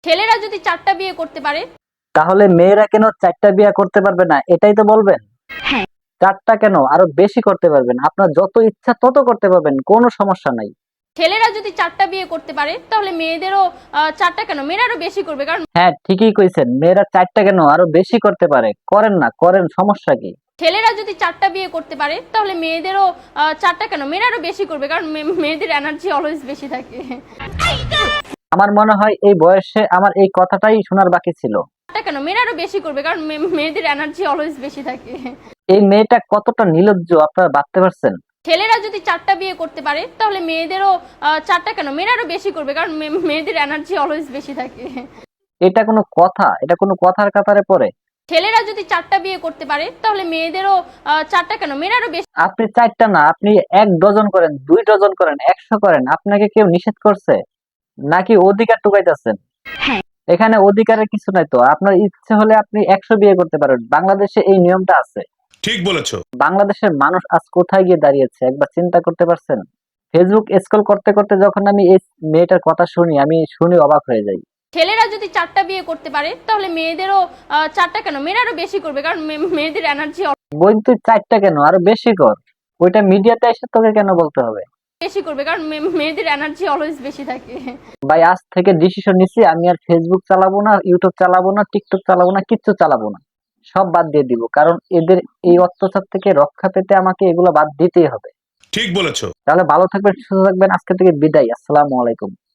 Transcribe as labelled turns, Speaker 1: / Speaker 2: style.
Speaker 1: ছেলেরা যদি 4টা বিয়ে করতে পারে
Speaker 2: তাহলে মেয়েরা কেন 4টা বিয়ে করতে পারবে না, এটাই তো বলবেন?
Speaker 1: হ্যাঁ।
Speaker 2: 4টা কেন, আরো বেশি করতে পারবেন। আপনার যত ইচ্ছা তত করতে পারবেন, কোনো সমস্যা নাই।
Speaker 1: ছেলেরা যদি 4টা বিয়ে করতে পারে তাহলে মেয়েদেরও 4টা কেন, মেয়েরা আরো বেশি করবে। কারণ
Speaker 2: হ্যাঁ, ঠিকই কইছেন, মেয়েরা 4টা কেন, আরো বেশি করতে পারে। করেন না, করেন, সমস্যা কি?
Speaker 1: ছেলেরা যদি 4টা বিয়ে করতে পারে তাহলে মেয়েদেরও 4টা কেন, মেয়েরা আরো বেশি করবে। কারণ মেয়েদের এনার্জি অলওয়েজ বেশি থাকে।
Speaker 2: আমার মনে হয় এই বয়সে আমার এই কথাটাই শোনার বাকি ছিল।
Speaker 1: 4টা কেন, মেয়েরা আরো বেশি করবে। কারণ মেয়েদের এনার্জি অলওয়েজ বেশি থাকে।
Speaker 2: এই মেয়েটা কতটা নির্লজ্জ আপনারা ভাবতে পারছেন?
Speaker 1: ছেলেরা যদি 4টা বিয়ে করতে পারে তাহলে মেয়েদেরও 4টা কেন, মেয়েরা আরো বেশি করবে। কারণ মেয়েদের এনার্জি অলওয়েজ বেশি থাকে।
Speaker 2: এটা কোনো কথা? এটা কোনো কথার কাতারে পড়ে?
Speaker 1: ছেলেরা যদি 4টা বিয়ে করতে পারে তাহলে মেয়েদেরও 4টা কেন, মেয়েরা আরো বেশি।
Speaker 2: আপনি 4টা না, আপনি 1 ডজন করেন, 2 ডজন করেন, 100 করেন, আপনাকে কেউ নিষেধ করছে নাকি? অধিকার টুকাইতেছেন?
Speaker 1: হ্যাঁ।
Speaker 2: এখানে অধিকারের কিছু নাই তো। আপনার ইচ্ছে হলে আপনি 100 বিয়ে করতে পারেন, বাংলাদেশে এই নিয়মটা আছে।
Speaker 3: ঠিক বলেছো।
Speaker 2: বাংলাদেশের মানুষ আজ কোথায় গিয়ে দাঁড়িয়েছে একবার চিন্তা করতে পারছেন? ফেসবুক স্ক্রল করতে করতে যখন আমি এই মেয়েটার কথা শুনি, আমি শুনে অবাক হয়ে যাই।
Speaker 1: ছেলেরা যদি 4টা বিয়ে করতে পারে তাহলে মেয়েদেরও 4টা কেন, মেয়েরা আরো বেশি করবে। কারণ মেয়েদের এনার্জি
Speaker 2: বোন, তুই 4টা কেন, আরো বেশি কর। ওইটা মিডিয়াতে এসে তোকে কেন বলতে হবে?
Speaker 1: বেশি করবে। কারণ মেয়েদের এনার্জি অলওয়েজ বেশি থাকে।
Speaker 2: ভাই, আজ থেকে ডিসিশন নিছি, আমি আর ফেসবুক চালাবো না, ইউটিউব চালাবো না, টিকটক চালাবো না, কিচ্ছু চালাবো না। সব বাদ দিয়ে দিব, কারণ এদের এই অত্যাচার থেকে রক্ষা পেতে আমাকে এগুলো বাদ দিতেই হবে।
Speaker 3: ঠিক বলেছো।
Speaker 2: তাহলে ভালো থাকবেন, সুস্থ থাকবেন, আজকে থেকে বিদায়। আসসালামু আলাইকুম।